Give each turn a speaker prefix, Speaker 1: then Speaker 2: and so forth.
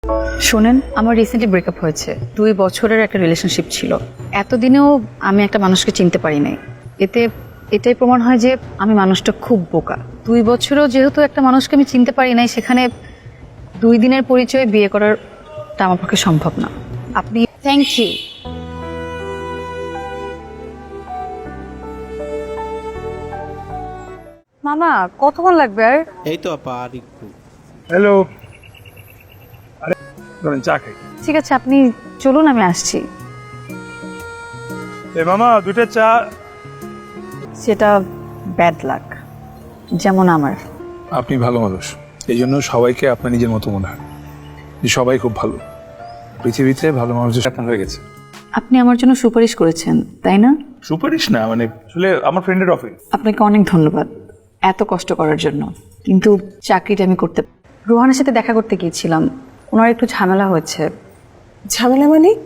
Speaker 1: শোনেন, আমার recently breakup হয়েছে। 2 বছরের একটা রিলেশনশিপ ছিল। এতদিনেও আমি একটা মানুষকে চিনতে পারি নাই। এটাই প্রমাণ হয় যে আমি মানুষটা খুব বোকা। 2 বছরেও যেহেতু একটা মানুষকে আমি চিনতে পারি নাই, সেখানে 2 দিনের পরিচয়ে বিয়ে করাটা আমার পক্ষে সম্ভব না। আপনি
Speaker 2: থ্যাংক ইউ।
Speaker 1: মামা কতক্ষণ লাগবে আর?
Speaker 3: এই তো আপা আর একটু।
Speaker 4: হ্যালো, আরে ধরেন চা খাই।
Speaker 1: ঠিক আছে, আপনি চলুন, আমি আসছি।
Speaker 4: এ মামা 2টা চা।
Speaker 1: সেটা ব্যাড লাক, যেমন আমার।
Speaker 4: আপনি ভালো মানুষ, এই জন্য সবাইকে আপনার নিজের মতো মনে হয় যে সবাই খুব ভালো। পৃথিবীতে ভালো মানুষের আপনার হয়ে গেছে।
Speaker 1: আপনি আমার জন্য সুপারিশ করেছেন, তাই না?
Speaker 4: সুপারিশ না, মানে আসলে আমার ফ্রেন্ডের অফিস।
Speaker 1: আপনাকে অনেক ধন্যবাদ এত কষ্ট করার জন্য, কিন্তু চাকরিটা আমি করতে। রোহানের সাথে দেখা করতে গিয়েছিলাম, ওনার একটু ঝামেলা হয়েছে।
Speaker 2: ঝামেলা মানে?